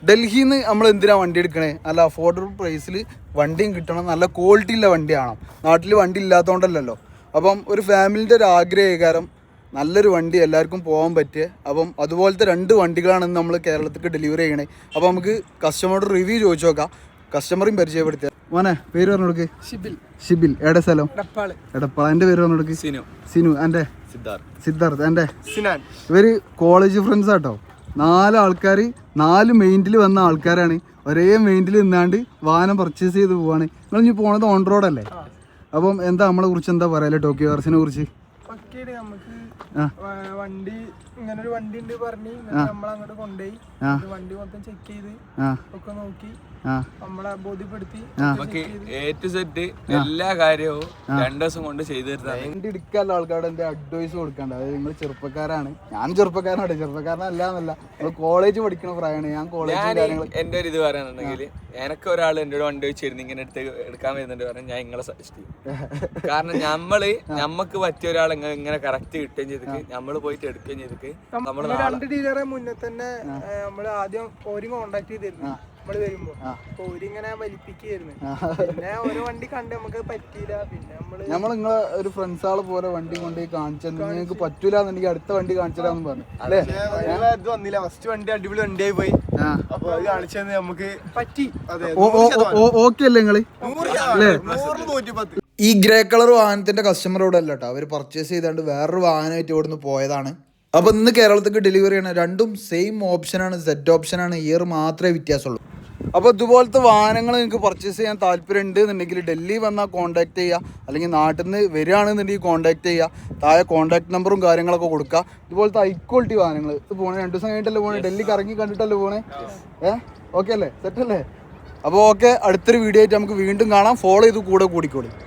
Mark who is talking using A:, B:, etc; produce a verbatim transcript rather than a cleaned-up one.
A: ഡൽഹിയിൽ നിന്ന് നമ്മൾ എന്തിനാണ് വണ്ടി എടുക്കണേ? നല്ല അഫോർഡബിൾ പ്രൈസിൽ വണ്ടിയും കിട്ടണം, നല്ല ക്വാളിറ്റി ഉള്ള വണ്ടി ആണോ. നാട്ടിൽ വണ്ടി ഇല്ലാത്തതുകൊണ്ടല്ലോ. അപ്പം ഒരു ഫാമിലിൻ്റെ ഒരു ആഗ്രഹകാരം നല്ലൊരു വണ്ടി എല്ലാവർക്കും പോകാൻ പറ്റിയ. അപ്പം അതുപോലത്തെ രണ്ട് വണ്ടികളാണ് നമ്മൾ കേരളത്തിലേക്ക് ഡെലിവറി ചെയ്യണേ. അപ്പോൾ നമുക്ക് കസ്റ്റമറുടെ റിവ്യൂ ചോദിച്ചു നോക്കാം, കസ്റ്റമറും പരിചയപ്പെടുത്തിയ. മോനെ പേര് പറഞ്ഞു കൊടുക്ക്. ഷിബിൽ. ഷിബിൽ. എവിടെ സ്ഥലം? എടപ്പാള്. എടപ്പാള. എൻ്റെ പേര് പറഞ്ഞു കൊടുക്ക്. സിനു. സിനു. എൻ്റെ സിദ്ധാർത്ഥ്. സിദ്ധാർത്ഥ്. എൻ്റെ സിനാൻ. ഇവർ കോളേജ് ഫ്രണ്ട്സ് ആട്ടോ. നാല് ആൾക്കാർ നാല് മെയിൻറ്റിൽ വന്ന ആൾക്കാരാണ്. ഒരേ മെയിൻറ്റിൽ നിന്നാണ്ട് വാഹനം പർച്ചേസ് ചെയ്ത് പോവാണ്. നിങ്ങൾ ഇനി പോണത് ഓൺ റോഡല്ലേ? അപ്പം എന്താ നമ്മളെ കുറിച്ച് എന്താ പറയാ ടോക്കിയോ കാർസിനെ കുറിച്ച്?
B: വണ്ടി ഇങ്ങനെ ഒരു വണ്ടി ഉണ്ട് പറഞ്ഞ് നമ്മളങ്ങോട്ട് കൊണ്ടുപോയി വണ്ടി മൊത്തം ചെക്ക് ചെയ്ത് ഒക്കെ നോക്കി നമ്മളെ ബോധ്യപ്പെടുത്തി
C: എ ടു സെറ്റ് എല്ലാ കാര്യവും രണ്ടു ദിവസം കൊണ്ട് ചെയ്തു തരുന്നത്.
A: വണ്ടി എടുക്കാനുള്ള ആൾക്കാരുടെ എന്റെ അഡ്വൈസ് കൊടുക്കണ്ട. അതായത് നിങ്ങൾ ചെറുപ്പക്കാരാണ്, ഞാൻ ചെറുപ്പക്കാരനാണ്. ചെറുപ്പക്കാരനല്ല എന്നല്ല, നമ്മൾ കോളേജ് പഠിക്കുന്ന പ്രായമാണ്. ഞാൻ കോളേജ്
C: എന്റെ ഒരു ഇത് പറയാനുണ്ടെങ്കിൽ എനക്ക് ഒരാൾ എന്റെ ഒരു വണ്ടി വെച്ചിരുന്നു ഇങ്ങനെ എടുത്ത് എടുക്കാൻ വരുന്നുണ്ട് പറഞ്ഞാൽ ഞാൻ നിങ്ങളെ സജസ്റ്റ് ചെയ്യും. കാരണം നമ്മള് നമ്മക്ക് പറ്റിയ ഒരാൾ ഇങ്ങനെ കറക്റ്റ് കിട്ടുകയും ചെയ്തിട്ട് നമ്മള് പോയിട്ട് എടുക്കുകയും ചെയ്തിട്ട് നമ്മള്
B: രണ്ട് ഡീലറെ മുന്നേ തന്നെ നമ്മള് ആദ്യം ഓര് കോണ്ടാക്ട് ചെയ്തിരുന്നു. നമ്മള് വരുമ്പോ ഓരിങ്ങനെ വലിപ്പിക്കായിരുന്നു. പിന്നെ ഓരോ വണ്ടി കണ്ട് നമുക്ക് പറ്റിയില്ല. പിന്നെ നമ്മള്
A: നമ്മൾ നിങ്ങളെ ഒരു ഫ്രണ്ട്സ് ആള് പോലെ വണ്ടി കൊണ്ടുപോയി കാണിച്ചു നിങ്ങൾക്ക് പറ്റൂല എന്നെനിക്ക് അടുത്ത വണ്ടി കാണിച്ചിടാന്ന് പറഞ്ഞു അല്ലേ?
B: ഇത് വന്നില്ല. ഫസ്റ്റ് വണ്ടി അടിപൊളി വണ്ടിയായി പോയി. അപ്പൊ അത് കാണിച്ചത് നമുക്ക് പറ്റി.
A: ഓക്കെ അല്ലേ നിങ്ങള്? ഈ ഗ്രേ കളർ വാഹനത്തിന്റെ കസ്റ്റമറോട് അല്ല കേട്ടോ, അവർ പർച്ചേസ് ചെയ്താണ്ട് വേറൊരു വാഹനമായിട്ട് ഇവിടുന്ന് പോയതാണ്. അപ്പോൾ ഇന്ന് കേരളത്തിലേക്ക് ഡെലിവറി ചെയ്യണം. രണ്ടും സെയിം ഓപ്ഷനാണ്, സെറ്റ് ഓപ്ഷനാണ്. ഇയർ മാത്രമേ വ്യത്യാസമുള്ളൂ. അപ്പോൾ ഇതുപോലത്തെ വാഹനങ്ങൾ നിങ്ങൾക്ക് പർച്ചേസ് ചെയ്യാൻ താല്പര്യം ഉണ്ട് എന്നുണ്ടെങ്കിൽ ഡൽഹി വന്നാൽ കോൺടാക്ട് ചെയ്യുക, അല്ലെങ്കിൽ നാട്ടിൽ നിന്ന് വരികയാണെന്നുണ്ടെങ്കിൽ കോൺടാക്ട് ചെയ്യുക. താഴെ കോൺടാക്ട് നമ്പറും കാര്യങ്ങളൊക്കെ കൊടുക്കുക. ഇതുപോലത്തെ ഹൈ ക്വാളിറ്റി വാഹനങ്ങൾ ഇത് പോകണേ. രണ്ട് ദിവസം കഴിഞ്ഞിട്ടല്ലേ പോകണേ? ഡൽഹി കറങ്ങി കണ്ടിട്ടല്ലേ പോകണേ? ഏഹ് ഓക്കെ അല്ലേ? സെറ്റല്ലേ? അപ്പോൾ ഓക്കെ, അടുത്തൊരു വീഡിയോ ആയിട്ട് നമുക്ക് വീണ്ടും കാണാം. ഫോളോ ചെയ്ത് കൂടെ കൂടിക്കോളി.